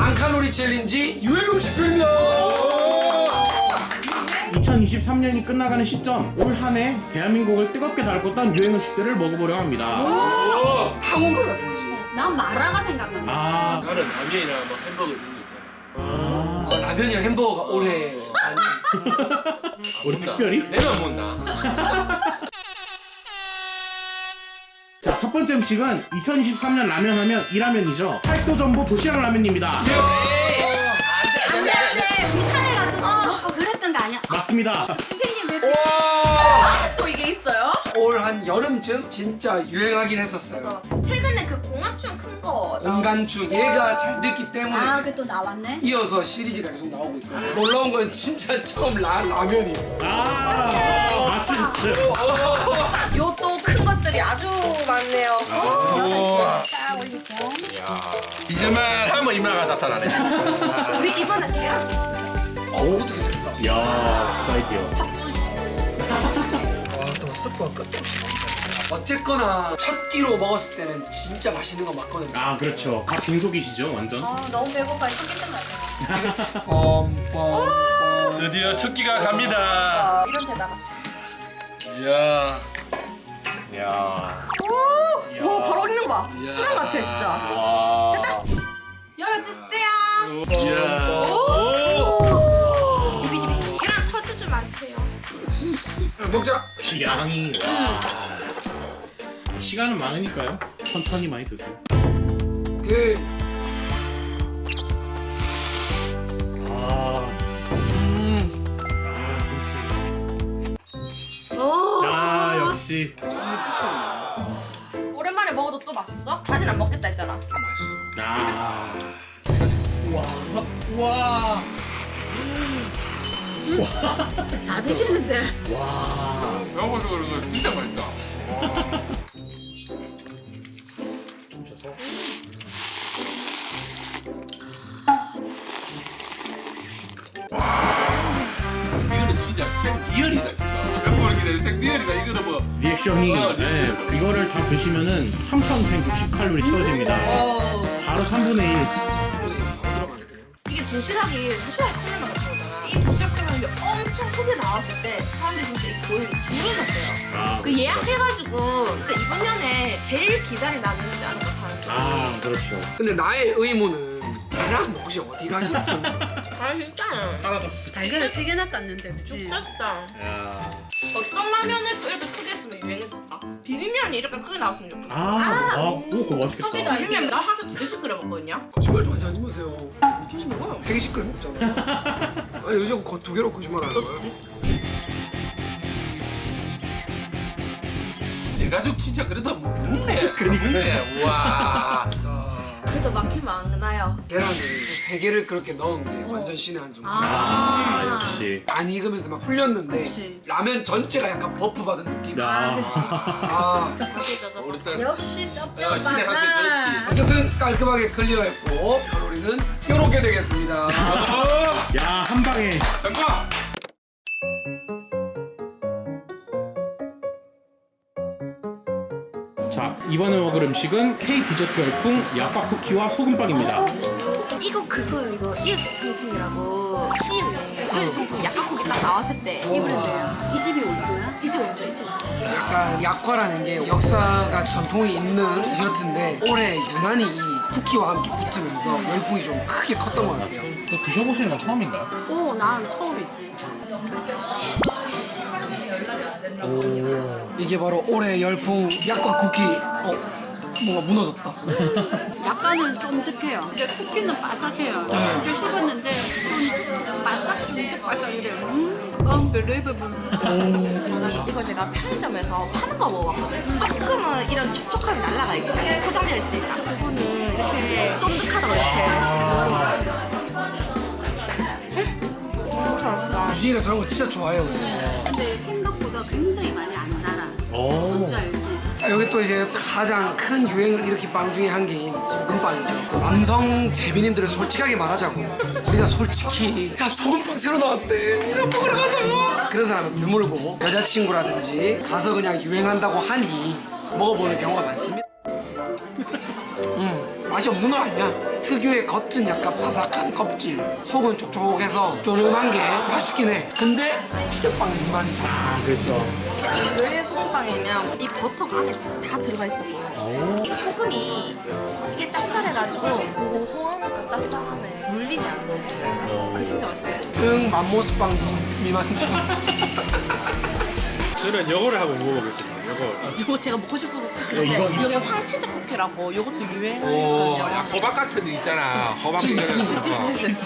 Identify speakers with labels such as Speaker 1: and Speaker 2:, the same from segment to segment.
Speaker 1: 0칼로리 챌린지 유행 음식표입니다.
Speaker 2: 2023년이 끝나가는 시점, 올 한 해 대한민국을 뜨겁게 달궜던 유행 음식들을 먹어보려 합니다.
Speaker 1: 탕후루 같은 거지.
Speaker 3: 난 마라가 생각난다.
Speaker 2: 아,
Speaker 4: 나는 라면이나 뭐 햄버거 이런 거 있잖아.
Speaker 1: 라면이랑 햄버거가 올해
Speaker 2: 우리 특별히?
Speaker 4: 내가 안 먹나?
Speaker 2: 자, 첫 번째 음식은 2023년 라면 하면 이 라면이죠. 팔도전보 도시락 라면입니다.
Speaker 3: 안돼 우리 산에 가서 먹고 그랬던 거 아니야?
Speaker 2: 맞습니다.
Speaker 3: 선생님 왜 그래?
Speaker 5: 또 이게 있어요?
Speaker 1: 올 한 여름쯤 진짜 유행하긴 했었어요.
Speaker 5: 최근에 그 공화춘 큰 거.
Speaker 1: 공간춘 얘가 잘 됐기 때문에
Speaker 3: 아 그게 또 나왔네?
Speaker 1: 이어서 시리즈가 계속 나오고 있거든요. 놀라운 건 진짜 처음 라면이에요.
Speaker 2: 아, 맞추셨어요.
Speaker 5: 요 또 큰 것들이 아주 많네요.
Speaker 3: 딱 올리고.
Speaker 4: 이제만 하면 이마가 나타나네.
Speaker 5: 우리 이번에 해야지.
Speaker 1: 어떻게 될까?
Speaker 2: 이야, 그 아이디어.
Speaker 1: 와또 스프가 끝도 없이 나온다. 어쨌거나 첫 끼로 먹었을 때는 진짜 맛있는 거 맞거든요.
Speaker 2: 아, 그렇죠. 다 빈속이시죠, 완전.
Speaker 3: 너무 배고파 챙기는 거 아니야?
Speaker 4: 드디어 첫 끼가 갑니다.
Speaker 5: 이런 데 나갔어.
Speaker 4: 이야. 이야.
Speaker 5: 오, 바로 익는 거 봐. 수랑 같아 진짜.
Speaker 4: 와.
Speaker 5: 열어주세요.
Speaker 4: 이야.
Speaker 5: 계란 터주지 마세요.
Speaker 1: 먹자.
Speaker 2: 양이, 와. 시간은 많으니까요. 천천히 많이 드세요.
Speaker 1: 그
Speaker 2: 아, 김치.
Speaker 5: 오.
Speaker 2: 아, 역시.
Speaker 5: 오랜만에 먹어도 또 맛있어? 다시는 안 먹겠다 했잖아.
Speaker 1: 맛있어.
Speaker 2: 아,
Speaker 3: 다 드시는데.
Speaker 2: 와.
Speaker 4: 배고파서 그런 거 진짜 맛있다.
Speaker 2: 좀 줘서.
Speaker 4: 이거는 진짜 생리얼이다 진짜. 배고프게 기다려 생리얼이다. 이거는 뭐.
Speaker 2: 리액션이,
Speaker 4: 어,
Speaker 2: 네, 이거를 다 드시면은 3,160칼로리 채워집니다. 바로 3분의 1.
Speaker 5: 이게 도시락이 컵라면 같은 거잖아. 이 도시락 컵라면이 엄청 크게 나왔을 때 사람들이 진짜 거의 줄을 섰어요.
Speaker 2: 아,
Speaker 5: 그 예약해가지고 진짜 이번 년에 제일 기다리 나누지 않을까 사람들이.
Speaker 2: 아, 그렇죠.
Speaker 1: 근데 나의 의문은 계란 혹시 어디 가셨어?
Speaker 5: 아 진짜
Speaker 2: 사라졌어.
Speaker 3: 달걀을 3개나 땄는데 그치?
Speaker 5: 죽겠어.
Speaker 2: 야.
Speaker 5: 어떤 라면을 또 이렇게 크게 했으면 유행했을까? 비빔면이 이렇게 크게 나왔으면 좋겠어.
Speaker 2: 오, 그거 맛있겠다.
Speaker 5: 사실 비빔면 나 항상 2개씩 끓여 먹거든요.
Speaker 1: 거짓말 좀 하지 마세요.
Speaker 5: 조심 먹어요.
Speaker 1: 3개씩 끓여 먹잖아. 아 요즘 2개로 거짓말 하는 거야.
Speaker 4: 내 가족 진짜 그래도 묵네. 묵네. 와.
Speaker 5: 그래도 많긴 많아요.
Speaker 1: 계란을 3개를 그렇게 넣은 게 완전 신의 한 수입니다.
Speaker 2: 아, 역시.
Speaker 1: 안 익으면서 막 풀렸는데
Speaker 3: 그치.
Speaker 1: 라면 전체가 약간 버프 받은 느낌.
Speaker 2: 야.
Speaker 1: 아
Speaker 5: 맛있어서.
Speaker 4: 우리 딸.
Speaker 3: 역시
Speaker 4: 야, 신의
Speaker 3: 쩝쩝바사.
Speaker 4: 한 수, 그렇지.
Speaker 1: 어쨌든 깔끔하게 클리어했고 칼로리는 이렇게 되겠습니다.
Speaker 2: 야, 한 방에.
Speaker 4: 잠깐.
Speaker 2: 자, 이번에 먹을 음식은 K 디저트 열풍 약과 쿠키와 소금빵입니다.
Speaker 5: 이거 그거요 이거 이웃통통이라고 CM에 이웃통통 약간고기 딱 나왔을 때 이 브랜드예요.
Speaker 3: 이 집이 원조야?
Speaker 5: 이제 원조 이제 원조.
Speaker 1: 약간 약과라는 게 역사가 전통이 있는 디저트인데 올해 유난히 이 쿠키와 함께 붙으면서 열풍이 좀 크게 컸던 것 같아요.
Speaker 2: 또 드셔보시는 건 처음인가요?
Speaker 3: 오, 난 처음이지.
Speaker 1: 이게 바로 올해 열풍 약과 쿠키. 뭔가 무너졌다.
Speaker 3: 약간은 쫀득해요. 근데 쿠키는 바삭해요. 이제 씹었는데 좀 바삭, 쫀득바삭 이래요. unbelievable.
Speaker 5: 이거 제가 편의점에서 파는 거 먹어봤거든. 조금은 이런 촉촉함이 날라가 있지. 포장되어 있으니까. 이거는 이렇게 쫀득하다고 이렇게. 잘했다.
Speaker 1: 유진이가 저런 거 진짜 좋아해요.
Speaker 3: 근데 생각보다 굉장히 많이 안 달아.
Speaker 2: 오.
Speaker 3: 뭔지 알지?
Speaker 1: 자, 여기 또 이제 가장 큰 유행을 일으킨 빵 중에 한 개인 소금빵이죠. 그 남성 재민님들을 솔직하게 말하자고 우리가 솔직히 야 소금빵 새로 나왔대 우리 먹으러 가자 그런 사람은 드물고 여자친구라든지 가서 그냥 유행한다고 하니 먹어보는 경우가 많습니다. 맛이 없는 거 아니야. 특유의 겉은 약간 바삭한 껍질, 속은 촉촉해서 쪼름한 게 맛있긴 해. 근데 피자빵 이만참.
Speaker 2: 아 그렇죠.
Speaker 5: 이게 왜 소주빵이냐면 이 버터가 안에 다 들어가 있었고 이 소금이 이게 짭짤해가지고 고소하니까 짭짤하네. 물리지 않네. 그 진짜 맛있거든.
Speaker 1: 응, 맘모스빵 미만참.
Speaker 4: 저는 요거를 한번 먹어보겠습니다. 요거.
Speaker 5: 이거 제가 먹고 싶어서 치킨인데
Speaker 2: 이거-
Speaker 5: 이게 황치즈 쿠키라고 이것도
Speaker 4: 오, 야,
Speaker 5: 유행하거든요.
Speaker 4: 호박 같은 거 있잖아. 호박
Speaker 1: 치즈,
Speaker 4: 있잖아.
Speaker 1: 치즈,
Speaker 5: 치즈.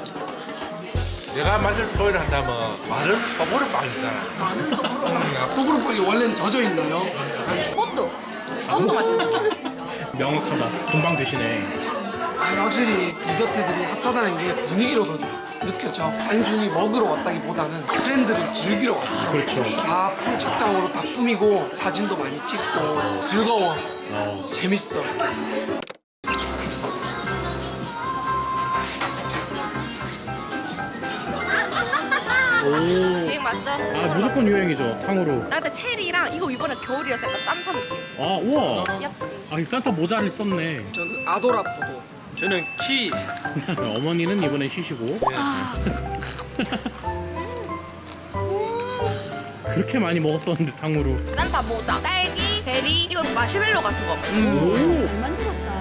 Speaker 4: 내가 맛을 표현한다면 마른 소보루 빵 있잖아.
Speaker 5: 마늘 소금.
Speaker 1: 소그룹빵이 원래는 젖어 있나요?
Speaker 5: 꽃도 맛있어.
Speaker 2: 명확하다. 금방 드시네.
Speaker 1: 아니, 확실히 디저트들이 핫하다는 게 분위기로도 느껴져. 단순히 먹으러 왔다기보다는 트렌드를 즐기러 왔어.
Speaker 2: 그렇죠.
Speaker 1: 다 풀착장으로 다 꾸미고 사진도 많이 찍고 즐거워. 재밌어.
Speaker 5: 유행 맞죠?
Speaker 2: 아 무조건 유행이죠. 탕후루.
Speaker 5: 나한테 체리랑 이거 이번에 겨울이어서 약간 산타 느낌.
Speaker 2: 아 우와.
Speaker 5: 귀엽지?
Speaker 2: 아 이 산타 모자를 썼네.
Speaker 1: 저는 아도라 포도.
Speaker 4: 저는 키.
Speaker 2: 어머니는 이번엔 쉬시고. 그렇게 많이 먹었었는데 탕후루.
Speaker 5: 산타 모자, 딸기, 베리, 이거 마시멜로 같은 거.
Speaker 2: 오.
Speaker 3: 잘 만들었다.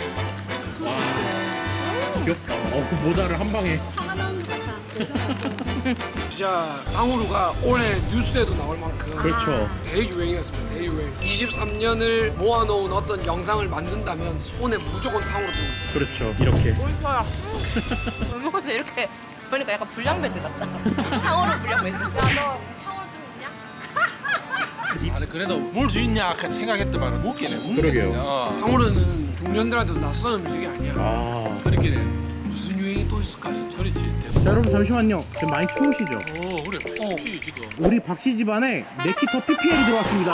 Speaker 2: 귀엽다. 모자를 한 방에.
Speaker 3: 화가 나는 것 같아.
Speaker 1: 진짜 탕후루가 올해 뉴스에도 나올 만큼
Speaker 2: 그렇죠.
Speaker 1: 대유행이었습니다. 대유행. 23년을 모아놓은 어떤 영상을 만든다면 손에 무조건 탕후루 들고 있어요.
Speaker 2: 그렇죠. 이렇게.
Speaker 5: 보이퍼야. 얼마나 이렇게 보니까 약간 불량배드 같다. 탕후루 불량배드. 야, 너 탕후루 좀 있냐?
Speaker 4: 아니 그래도 뭘 주 있냐 생각했더만 먹기네.
Speaker 2: 그러게요.
Speaker 1: 탕후루는 중년들한테도 낯선 음식이 아니야.
Speaker 2: 아.
Speaker 4: 그렇게
Speaker 1: 무슨 유행이 또 있을까 진짜.
Speaker 4: 그렇지.
Speaker 2: 자 여러분 잠시만요. 지금 많이 추우시죠?
Speaker 4: 오 그래. 키 지금.
Speaker 2: 우리 박씨 집안에 네키터 PPL이 들어왔습니다.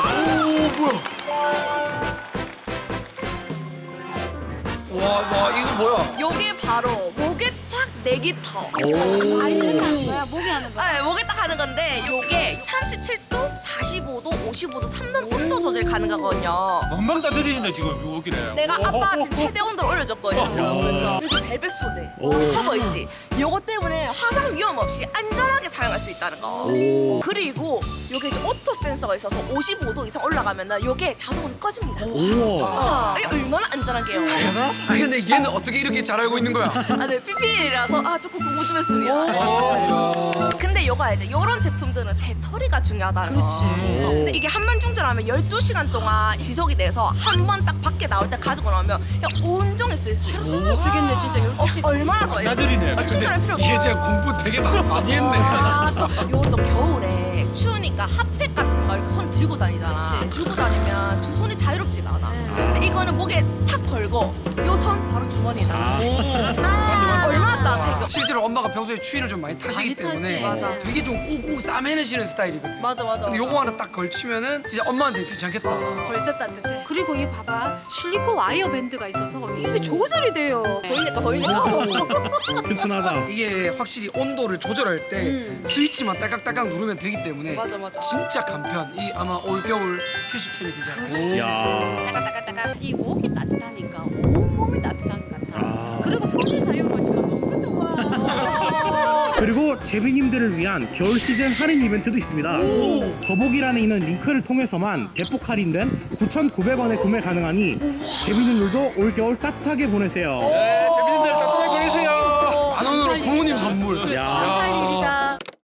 Speaker 1: 와 이거 뭐야?
Speaker 5: 요게 바로 목에착 내기터.
Speaker 3: 아이들이 하는 거야? 목이 하는 거야?
Speaker 5: 네, 목에 딱 하는 건데 요게 37도, 45도, 55도 3단 온도 조절 가능하거든요.
Speaker 4: 금방 다 들리신다 지금 여기래.
Speaker 5: 내가 아빠 지금 최대 온도를 올려줬거든요. 그래서 이렇게 벨벳 소재 커버 있지. 요거 때문에 화상 위험 없이 안전하게 사용할 수 있다는 거. 그리고 요게 이제 오토 센서가 있어서 55도 이상 올라가면 요게 자동으로 꺼집니다.
Speaker 2: 우와.
Speaker 5: 이게 얼마나 안전한게요.
Speaker 1: 아 근데 얘는 어떻게 이렇게 잘 알고 있는 거야?
Speaker 5: 아, 네, PPL이라서 조금 공부 좀 했습니다. 근데 요가 이제 요런 제품들은 배터리가 중요하다는 거. 그렇지. 근데 이게 한 번 충전하면 12시간 동안 지속이 돼서 한 번 딱 밖에 나올 때 가지고 나오면 그냥 온종일 쓸 수 있어.
Speaker 3: 못 쓰겠네 진짜. 12시.
Speaker 5: 얼마나 좋아요.
Speaker 4: 나들이네.
Speaker 5: 충전할 필요 없어.
Speaker 1: 얘 진짜 공부 되게 많이 했네.
Speaker 5: 요것도 겨울에 추우니까 핫팩 같은 거 이렇게 손 들고 다니잖아. 들고 다니면 두 손이 자유롭지가 않아. 근데 이거는 목에 탁 걸고 요 손 바로 주머니다. 얼마나 따뜻해 이거.
Speaker 1: 실제로 엄마가 평소에 추위를 좀 많이 타시기
Speaker 3: 많이
Speaker 1: 때문에
Speaker 3: 타지. 맞아.
Speaker 1: 되게 좀 꽁꽁 싸매는 스타일이거든.
Speaker 5: 맞아.
Speaker 1: 근데 요거 하나 딱 걸치면은 진짜 엄마한테 괜찮겠다.
Speaker 3: 벌써 따뜻해. 그리고 이 봐봐. 실리콘 와이어 밴드가 있어서 이게 조절이 돼요.
Speaker 5: 보이니까.
Speaker 2: 튼튼하다.
Speaker 1: 이게 확실히 온도를 조절할 때 스위치만 딸깍딸깍 누르면 되기 때문에
Speaker 5: 맞아.
Speaker 1: 진짜 간편. 이 아마 올겨울 필수템이 되지 않을까.
Speaker 2: 이야.
Speaker 3: 이 목이 따뜻하니까 온몸이 따뜻한 것 같아. 그리고 손에 사용하니까 너무 좋아.
Speaker 2: 그리고 제비님들을 위한 겨울 시즌 할인 이벤트도 있습니다. 더보기란에 있는 링크를 통해서만 대폭 할인된 9,900원에 구매 가능하니 제비님들도 올겨울 따뜻하게 보내세요.
Speaker 4: 네, 재밌는데 따뜻하게 보내세요.
Speaker 1: 만 원으로 부모님 선물.
Speaker 2: 야.
Speaker 3: 감사할 일이다.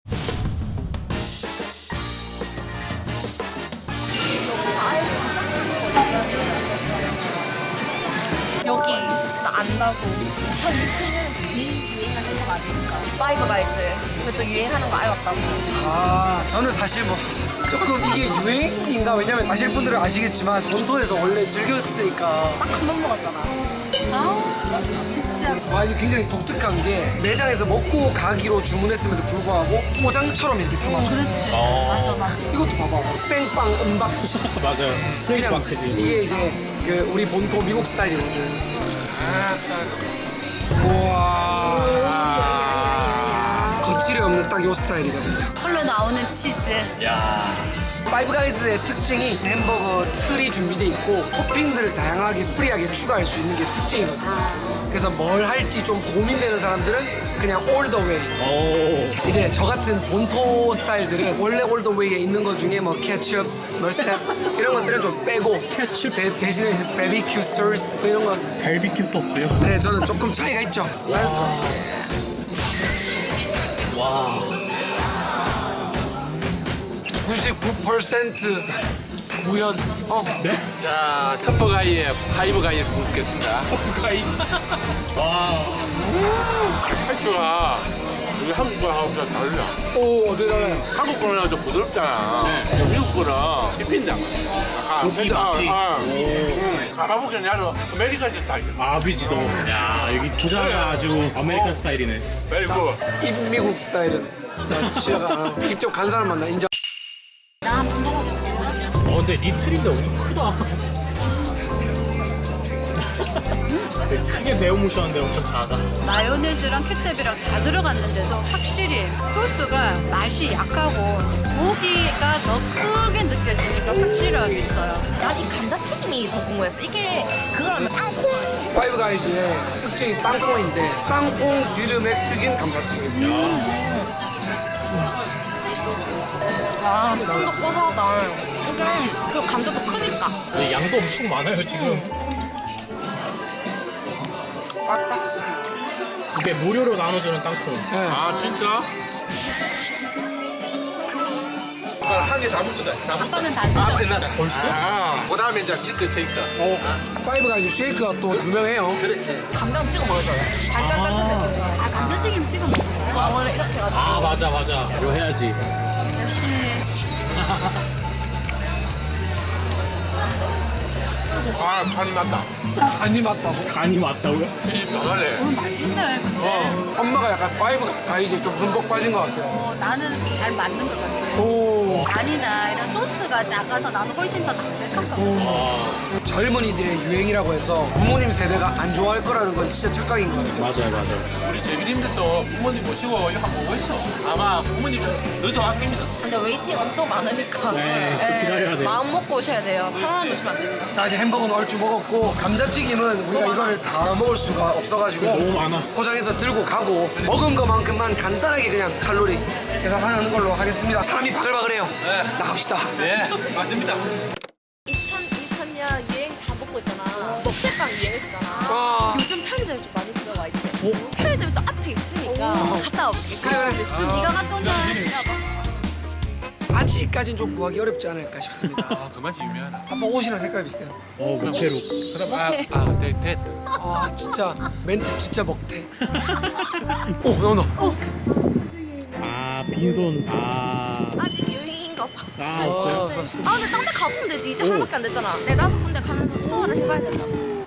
Speaker 5: 여기 나 안다고 2020년 유행하는 거 아닙니까? 파이브 가이즈 그것도 유행하는 거 알았다고.
Speaker 1: 아 저는 사실 뭐 조금 이게 유행인가 왜냐면 아실 분들은 아시겠지만 본토에서 원래 즐겼으니까.
Speaker 5: 딱 한 번 먹었잖아.
Speaker 3: 아 진짜.
Speaker 1: 와 이게 굉장히 독특한 게 매장에서 먹고 가기로 주문했음에도 불구하고 포장처럼 이렇게 담아줘.
Speaker 3: 그렇지. 맞아.
Speaker 1: 이것도 봐봐. 생빵 은박지.
Speaker 2: 맞아요. 프레이즈
Speaker 1: 그냥
Speaker 2: 마크지.
Speaker 1: 이게 이제 그 우리 본토 미국 스타일이거든. 우와. 거칠이 없는 딱 요 스타일이거든요.
Speaker 5: 컬러
Speaker 3: 썰로 나오는 치즈.
Speaker 1: 파이브 가이즈의 특징이 햄버거 틀이 준비돼 있고 토핑들을 다양하게 프리하게 추가할 수 있는 게 특징이거든요. 그래서 뭘 할지 좀 고민되는 사람들은 그냥 올 더 웨이. 이제 저 같은 본토 스타일들은 원래 올 더 웨이에 있는 것 중에 뭐 케첩, 머스타드 이런 것들은 좀 빼고
Speaker 2: 케첩?
Speaker 1: 대신에 이제 베비큐 소스 뭐 이런 거.
Speaker 2: 갈비큐 소스요?
Speaker 1: 네, 저는 조금 차이가 있죠. 자연스럽게. 99% 구현.
Speaker 2: 네?
Speaker 4: 자, 터프가이의 파이브 가이 묻겠습니다.
Speaker 2: 터프가이.
Speaker 4: 팔주가 우리 한국 거하고 좀 다르냐?
Speaker 1: 오, 어디 가래?
Speaker 4: 한국 거는 좀 부드럽잖아. 미국 거는 씹힌다. 가보기 아주 아메리칸 스타일.
Speaker 2: 아비지도. 야, 여기 부자가 아주 아메리칸 스타일이네.
Speaker 4: very good.
Speaker 1: 입미국 스타일은 나 제가 직접 간 사람만 나 인정.
Speaker 2: 근데 리틀인데 엄청 크다. 크게 매운무시한데 엄청 작아.
Speaker 3: 마요네즈랑 케첩이랑 다 들어갔는데도 확실히 소스가 맛이 약하고 고기가 더 크게 느껴지니까 확실하게 있어요.
Speaker 5: 난 이 감자튀김이 더 궁금했어. 이게 그거라면 땅콩.
Speaker 1: 파이브 가이즈의 특징이 땅콩인데 땅콩 기름에 튀긴 감자튀김.
Speaker 5: 아, 좀 더 고소하다. 이게 그 감자도 크니까.
Speaker 2: 양도 엄청 많아요 지금. 이게 무료로 나눠주는 땅콩.
Speaker 4: 아 진짜? 한 개 다 먹거든. 다 먹.
Speaker 3: 아빠는 다 드셨어.
Speaker 4: 끝났다. 벌써? 그다음에 이제 밀크 쉐이크.
Speaker 1: 파이브 가이즈 쉐이크가 또 유명해요.
Speaker 4: 그렇지.
Speaker 5: 감자는 찍어 먹을 거예요. 달짝 같은 느낌.
Speaker 3: 아, 감자튀김 찍어 먹어요?
Speaker 5: 아, 원래 이렇게 해가지고.
Speaker 2: 아 맞아. 이거 해야지.
Speaker 3: 역시
Speaker 4: 아 간이 맞다.
Speaker 1: 간이 맞다고?
Speaker 2: 간이 맞다고요?
Speaker 4: 이 변하네.
Speaker 3: 맛있네. 근데
Speaker 1: 엄마가 약간 파이브 가이즈에 좀 흠뻑 빠진 것 같아요.
Speaker 3: 나는 잘 맞는 것 같아.
Speaker 1: 오.
Speaker 3: 간이나 이런 소스가 작아서 나는 훨씬 더 담백한 것 같아.
Speaker 1: 젊은이들의 유행이라고 해서 부모님 세대가 안 좋아할 거라는 건 진짜 착각인 것 같아요.
Speaker 2: 맞아요.
Speaker 4: 우리 제비님들도 부모님 모시고 이거 한번 보고 있어. 아마 부모님들 더 좋아합니다.
Speaker 5: 근데 웨이팅 엄청 많으니까.
Speaker 2: 네, 좀 기다려야 돼요.
Speaker 5: 마음 먹고 오셔야 돼요. 편안한 놓으시면 안 됩니다.
Speaker 1: 자, 이제 햄버거는 얼추 먹었고 감자튀김은 우리가 이거를 다 먹을 수가 없어가지고
Speaker 2: 너무 많아.
Speaker 1: 포장해서 들고 가고 먹은 것만큼만 간단하게 그냥 칼로리 계산하는 걸로 하겠습니다. 사람이 바글바글해요.
Speaker 4: 네.
Speaker 1: 나갑시다.
Speaker 4: 네, 맞습니다.
Speaker 5: 2023년 유행 다 먹고 있잖아. 먹태빵 유행했잖아.
Speaker 1: 아.
Speaker 5: 요즘 편의점이 좀 많이 들어와 있대. 편의점이 또 앞에 있으니까 갔다 올게.
Speaker 1: 그래.
Speaker 5: 네가 갔다 온다.
Speaker 1: 아직까진 좀 구하기 어렵지 않을까 싶습니다.
Speaker 4: 그만치 유명하나.
Speaker 1: 아빠 옷이랑 색깔 비슷해요.
Speaker 2: 먹태로.
Speaker 4: 그럼 됐.
Speaker 1: 아, 진짜 멘트 진짜 먹태. 오, 나온다.
Speaker 2: 아 빈손.
Speaker 5: 아직 유행인가 봐.
Speaker 2: 없어요.
Speaker 5: 아 근데 딴 데 가보면 되지. 이제 하나밖에 안 됐잖아. 4-5군데 가면서 투어를 해봐야 된다.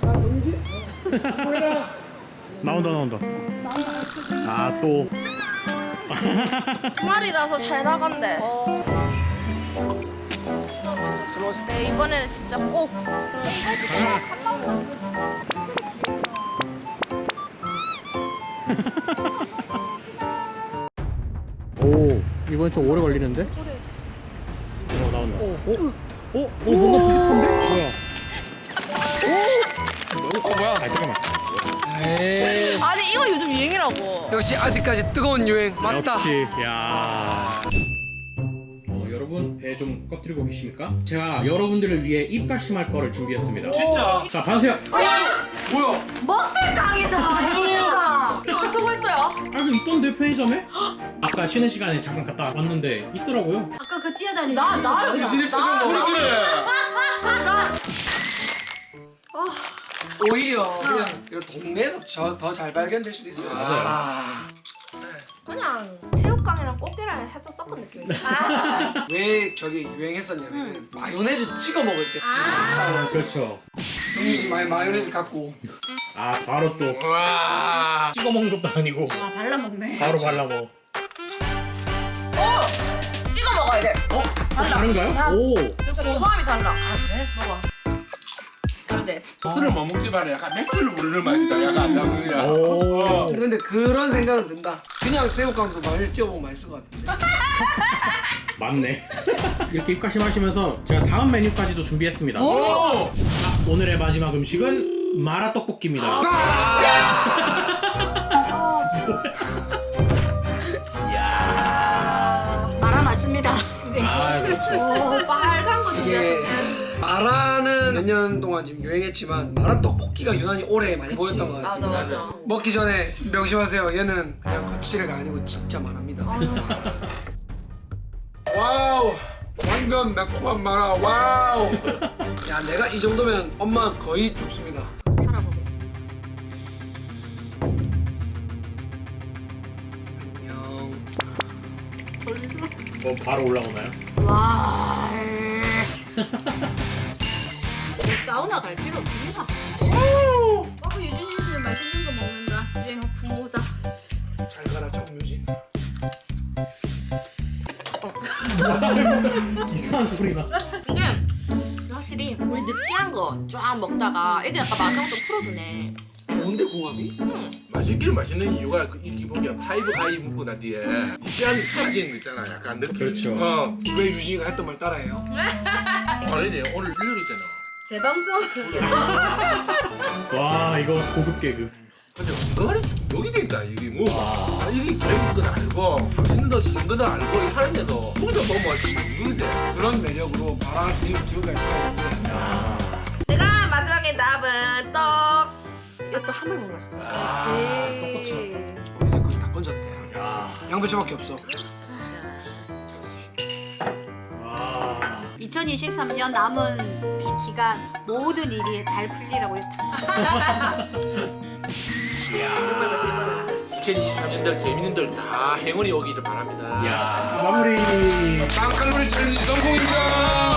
Speaker 2: 나온다. 아 또.
Speaker 5: 주말이라서 잘 나간대. 네, 이번에는 진짜 꼭.
Speaker 2: 오 이번 좀 오래 걸리는데? 나온다. 뭔가 부족한데? 뭐야?
Speaker 1: 뭐야?
Speaker 2: 아 잠깐만.
Speaker 1: 에이.
Speaker 5: 아니 이거 요즘 유행이라고.
Speaker 1: 역시 아직까지 뜨거운 유행 맞다.
Speaker 2: 역시 야. 여러분 배 좀 꺼뜨리고 계십니까? 제가 여러분들을 위해 입가심할 거를 준비했습니다.
Speaker 4: 진짜?
Speaker 2: 자 봐주세요.
Speaker 1: 뭐야?
Speaker 5: 먹태깡이다. 이거 어디서 구했어요?
Speaker 2: 아 이거 있던데 편의점에? 아까 쉬는 시간에 잠깐 갔다 왔는데 있더라고요.
Speaker 3: 아까 그 뛰어다니는
Speaker 5: 나를
Speaker 1: 당신의 표정 봐.
Speaker 4: 그래.
Speaker 1: 오히려 그냥 이런 동네에서 더 잘 발견될 수도 있어요.
Speaker 5: 그냥 새우깡이랑 꽃게랑이 살짝 섞은 느낌인데.
Speaker 1: 왜 저게 유행했었냐면 마요네즈 찍어 먹을 때 스타일.
Speaker 2: 그렇죠.
Speaker 1: 형님 집 마요네즈 갖고
Speaker 2: 아 바로 또
Speaker 4: 와.
Speaker 2: 찍어 먹는 것도 아니고
Speaker 3: 아 발라먹네.
Speaker 2: 바로 발라 먹어.
Speaker 5: 찍어 먹어야 돼.
Speaker 2: 다른가요? 오.
Speaker 5: 고소함이 달라.
Speaker 3: 아 그래?
Speaker 5: 먹어. 그래서 이제.
Speaker 4: 술을 못 먹지 말아. 약간 맥주를 부르는 맛이다. 약간 안 나오냐.
Speaker 2: 오.
Speaker 1: 근데 그런 생각은 든다. 그냥 새우깡도 많이 찌워보면 맛있을 것 같은데.
Speaker 2: 맞네. 이렇게 입가심하시면서 제가 다음 메뉴까지도 준비했습니다.
Speaker 4: 오!
Speaker 2: 오늘의 마지막 음식은 마라 떡볶이입니다.
Speaker 6: 마라 맞습니다, 선생님.
Speaker 2: 아, 그렇죠.
Speaker 5: 오, 빨간 거
Speaker 1: 이게
Speaker 5: 준비하셨네.
Speaker 1: 마라는 몇 년 동안 지금 유행했지만 마라 떡볶이가 유난히 오래 많이 보였던 것 같습니다.
Speaker 5: 맞아.
Speaker 1: 먹기 전에 명심하세요. 얘는 그냥 거치레가 아니고 진짜 마라입니다. 와우, 완전 매콤한 마라. 와우. 야, 내가 이 정도면 엄마 거의 죽습니다.
Speaker 5: 살아보겠습니다.
Speaker 1: 안녕.
Speaker 2: 바로 올라오나요?
Speaker 6: 와. 사우나 갈 필요 없습니다. 유진이 씨 맛있는 거 먹는다. 유진
Speaker 5: 분모자.
Speaker 1: 잘 가라 정유진.
Speaker 2: 이상한 소리나.
Speaker 5: 근데 확실히 우리 느끼한 거 쫙 먹다가 이게 약간 마정 좀 풀어주네.
Speaker 1: 좋은데 궁합이?
Speaker 4: 맛있기는 맛있는 이유가 이 기본이야. 파이브 가이 묵고 난 뒤에 느끼함이 사라지는 거 있잖아. 약간 느낌.
Speaker 2: 그렇죠.
Speaker 1: 왜 유진이가 했던 말 따라해요?
Speaker 4: 아니네. 오늘 일요일이잖아.
Speaker 6: 재방송.
Speaker 2: 와, 이거 고급 개그.
Speaker 4: 근데 은근히 중독이 된다. 이게 뭐. 이게 개인 건 알고 맛있는 거 쓴 거는 알고 이렇게 하는데도 거기다 너무 맛있는 거 있는데.
Speaker 1: 그런 매력으로 마라 지금 들어갈 거예요.
Speaker 5: 내가 마지막에 남은 떡. 이것도 한 번 먹었어.
Speaker 6: 그렇지.
Speaker 1: 이제 거의 다 건졌대. 양배추밖에 없어.
Speaker 6: 2023년 남은 이 기간 모든 일이 잘 풀리라고 일단.
Speaker 4: 2023년들 재밌는들 다 행운이 오기를 바랍니다.
Speaker 2: 야, 마무리.
Speaker 1: 빵칼로리 챌린지 성공입니다.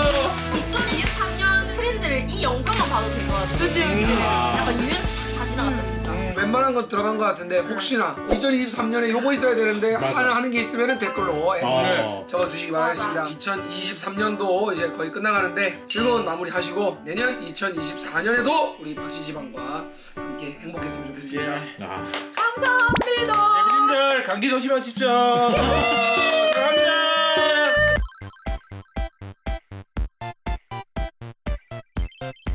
Speaker 5: 2023년 트렌드를 이 영상만 봐도 될 것 같아.
Speaker 6: 그렇지, 그렇지.
Speaker 5: 약간 유행 싹다 지나갔다 진짜.
Speaker 1: 웬만한 건 들어간 것 같은데 혹시나 2023년에 요거 있어야 되는데 하는 게 있으면 댓글로 적어주시기 바라겠습니다. 2023년도 이제 거의 끝나가는데 즐거운 마무리 하시고 내년 2024년에도 우리 박씨지방과 함께 행복했으면 좋겠습니다.
Speaker 2: 아.
Speaker 5: 감사합니다.
Speaker 4: 재밌는들 감기 조심하십시오. 감사합니다.